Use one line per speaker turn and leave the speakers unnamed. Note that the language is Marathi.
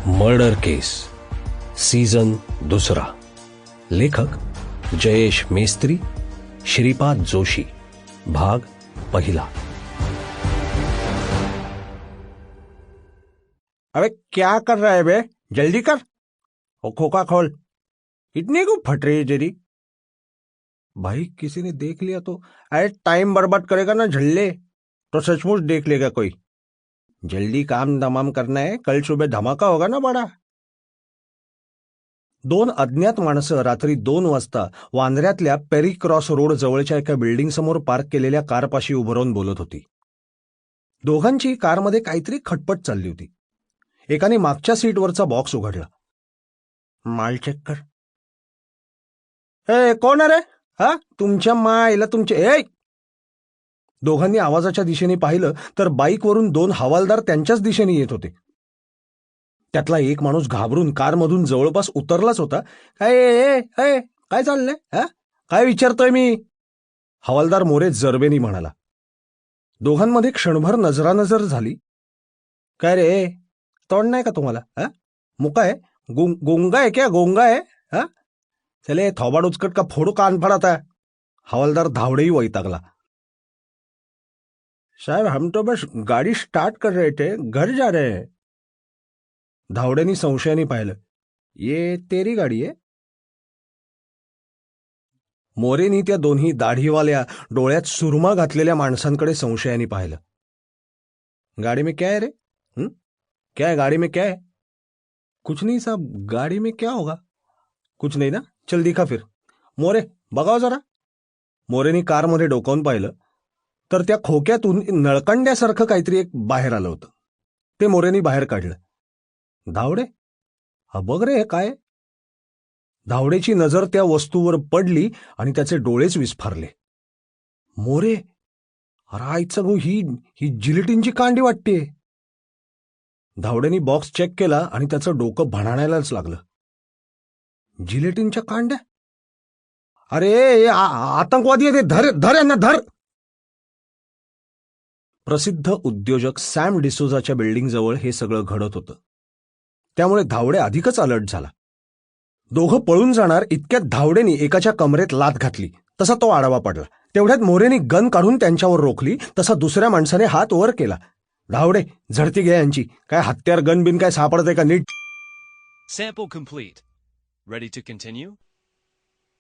मर्डर केस सीझन 2. लेखक जयेश मेस्त्री, श्रीपाद जोशी. भाग 1.
अबे क्या कर रहा है बे, जल्दी कर. वो खोखा खोल. इतनी क्यों फट रही है तेरी? भाई किसी ने देख लिया तो? अरे टाइम बर्बाद करेगा ना झल्ले, तो सचमुच देख लेगा कोई. जल्दी काम तमाम करना है, कल सुबह धमाका होगा ना बड़ा. 2 अज्ञात माणसं रात्री 2 वाजता वांद्र्यातल्या पेरी क्रॉस रोड जवळच्या एका बिल्डिंग समोर पार्क केलेल्या कारपाशी उभं राहून बोलत होती. दोघांची कारमध्ये काहीतरी खटपट चालली होती. एकाने मागच्या सीटवरचा बॉक्स उघडला. माल चेक कर. ए कोण आहे रे? हा, तुमच्या मायला तुमचे. ए, दोघांनी आवाजाच्या दिशेने पाहिलं तर बाईकवरून 2 हवालदार त्यांच्याच दिशेने येत होते. त्यातला एक माणूस घाबरून कारमधून जवळपास उतरलाच होता. काय चाललंय? हा, काय विचारतोय मी? हवालदार मोरे जरबेनी म्हणाला. दोघांमध्ये क्षणभर नजरानजर झाली. काय रे, तोंड नाही का तुम्हाला? हा, मुका आहे? गोंगा आहे क्या? गोंगा आहे? हा, चले थोबाड उचकट का फोडू कान फडाता. हवालदार धावडेही वैतागला. साहब हम तो बस गाड़ी स्टार्ट कर रहे थे, घर जा रहे हैं. धावड्यांनी संशयाने पाहिलं. ये तेरी गाडी आहे? मोरेनी त्या दोन्ही दाढीवाल्या डोळ्यात सुरमा घातलेल्या माणसांकडे संशयाने पाहिलं. गाड़ी में क्या है रे? क्या है गाड़ी में, क्या है? कुछ नहीं साहब, गाड़ी में क्या होगा? कुछ नहीं ना, चल दिखा फिर. मोरे बघाव जरा. मोरेनी कारमध्ये डोकावून पाहिलं तर त्या खोक्यातून नळकंड्यासारखं काहीतरी एक बाहेर आलं होतं. ते मोरेनी बाहेर काढलं. धावडे, हा बघ रे, हे काय? धावडेची नजर त्या वस्तूवर पडली आणि त्याचे डोळेच विस्फारले. मोरे, अरे आईचा गो, ही जिलेटिनची कांडी वाटते. धावडेनी बॉक्स चेक केला आणि त्याचं डोकं भणाणायलाच लागलं. जिलेटिनच्या कांड्या? अरे आतंकवादी आहे ते, धर यांना, धर. प्रसिद्ध उद्योजक सॅम डिसोजाच्या बिल्डिंग जवळ हे सगळं घडत होतं. त्यामुळे धावडे अधिकच अलर्ट झाला. दोघं पळून जाणार इतक्यात धावडेनी एकाच्या कमरेत लाथ घातली. तसा तो आडवा पडला. तेवढ्यात मोरेनी गन काढून त्यांच्यावर रोखली. तसा दुसऱ्या माणसाने हात वर केला. धावडे, झडती घ्या यांची. काय हत्यार, गन बिन काय सापडतंय का नीट?
Sample complete. Ready to continue?